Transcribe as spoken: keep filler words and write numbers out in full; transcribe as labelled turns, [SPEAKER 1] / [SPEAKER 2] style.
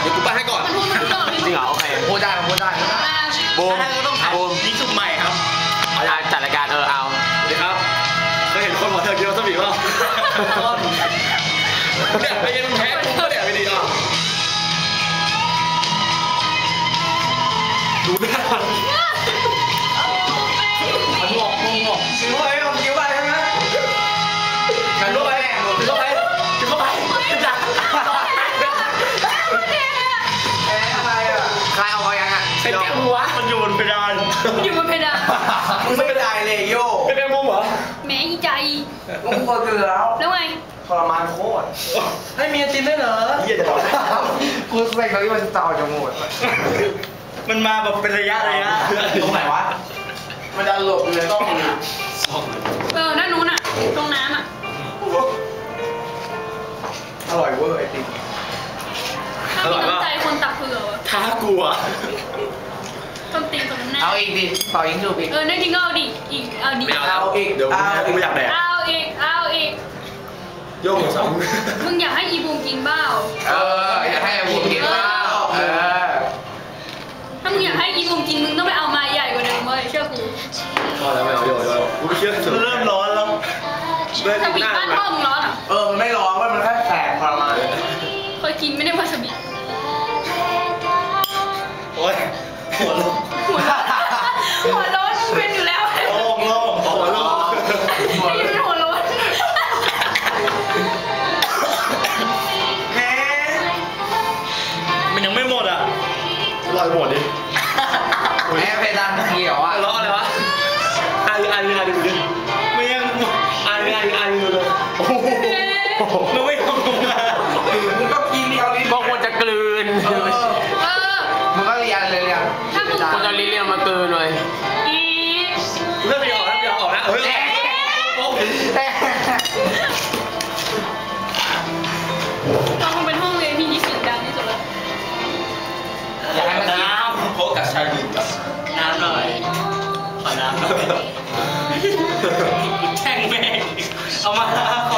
[SPEAKER 1] กูไปให้ก่อนจริงเหรอโอเคพูดได้พูดได้บูมบูมนี่สุ่มใหม่ครับเอาจัดรายการเออเอาสวัสดีครับเคยเห็นคนหัวเธอกินวาซาบิป่ะเนี่ยไปยังแพ้กูก็เดี๋ยวไปดีอ่ะดูหน้ามันมันงอกงอกกินเข้าไปเอากินเข้าไปใช่ไหมกินเข้าไปกินเข้าไปกินเข้าไปจัดอะไรอ่ะใครเอาไปยังอ่ะเป็นแก้มหัวมันอยู่บนเพดาน
[SPEAKER 2] อยู่บนเพดาน
[SPEAKER 1] มึงไม่ได้เลยโย่เป็นแก้มมุมเหรอ
[SPEAKER 2] แม่อีใจ
[SPEAKER 1] มุมก็เกลือแล้ว
[SPEAKER 2] แล้วไง
[SPEAKER 1] ทรมานโคตรให้เมียจินได้เหรอเยี่ยจะบอกกูใส่เขาที่มันต่อจมูกมันมาแบบเป็นระยะระยะตรงไหนวะมันจะหลบเลยต้อง
[SPEAKER 2] เออด้านนู้นอ่ะตรงน้ำอ่ะ
[SPEAKER 1] อร่อยเวอร์ไอติม
[SPEAKER 2] ถ้ามีน้ำใจคนตักเผื่อ
[SPEAKER 1] ท้ากลัว
[SPEAKER 2] ต้นตีนตรงนั้น
[SPEAKER 1] เอาอีกดิเป่ายิงจูบอีก
[SPEAKER 2] เออนั่นจริงก็เอาดิอีกเอาดิ
[SPEAKER 1] เอาอีกเดี๋ยวกูไม่อยากแดก
[SPEAKER 2] เอาอีกเอาอีก
[SPEAKER 1] โยกสอง
[SPEAKER 2] มึงอยากให้อีบูมกินเปล่า
[SPEAKER 1] เอออยากให้อีบูมกินเปล่าเออ
[SPEAKER 2] ถ้ามึงอยากให้อีบูมกินมึงต้องไปเอามาใหญ่กว่าเดิมเลยเชื่อกู
[SPEAKER 1] พอแล้วไม่เอาโยกโยกกูเชื่อเริ่มร้อนแล้ว
[SPEAKER 2] วาซาบิบ้านพ่อมึงร้อนอ่ะ
[SPEAKER 1] เออมันไม่ร้อนมันแค่แสบทรมาน
[SPEAKER 2] เคยกินไม่ได้วาซาบิ
[SPEAKER 1] โอ๊ยหัวร้อน
[SPEAKER 2] หัวร้อนมึงเป็นอยู่แล้ว
[SPEAKER 1] โล่งโล่งหัวร้อน
[SPEAKER 2] ไอ้เป็นหัวร้อน
[SPEAKER 1] มันยังไม่หมดอ่ะรอหมดดิแม่เพดานเขียวอ่ะล้ออะไรวะอ่านอ่านอ่านดูดิไม่ยังอ่านอ่านอ่านดูเลยโอ้โหมันไม่ทำงานมึงก็กินเดียวลิ้นบางคนจะกลืน
[SPEAKER 2] เออ
[SPEAKER 1] มึงก็เรียนเลยเรียน
[SPEAKER 2] ถ้ามึง
[SPEAKER 1] คนจะลิ้นเรียนมากลืนเลย
[SPEAKER 2] อี
[SPEAKER 1] เริ่มไม่ออกแล้วไม่ออกแล้วเฮ้ย
[SPEAKER 2] ตอนมึงเป็นห้องเรียนที่มีเสียงดังที่สุดเลย
[SPEAKER 1] อยากให้มันน้ำโค้กกับชาดีกับน้ำหน่อยขอน้ำหน่อยแช่งแม่งเอามา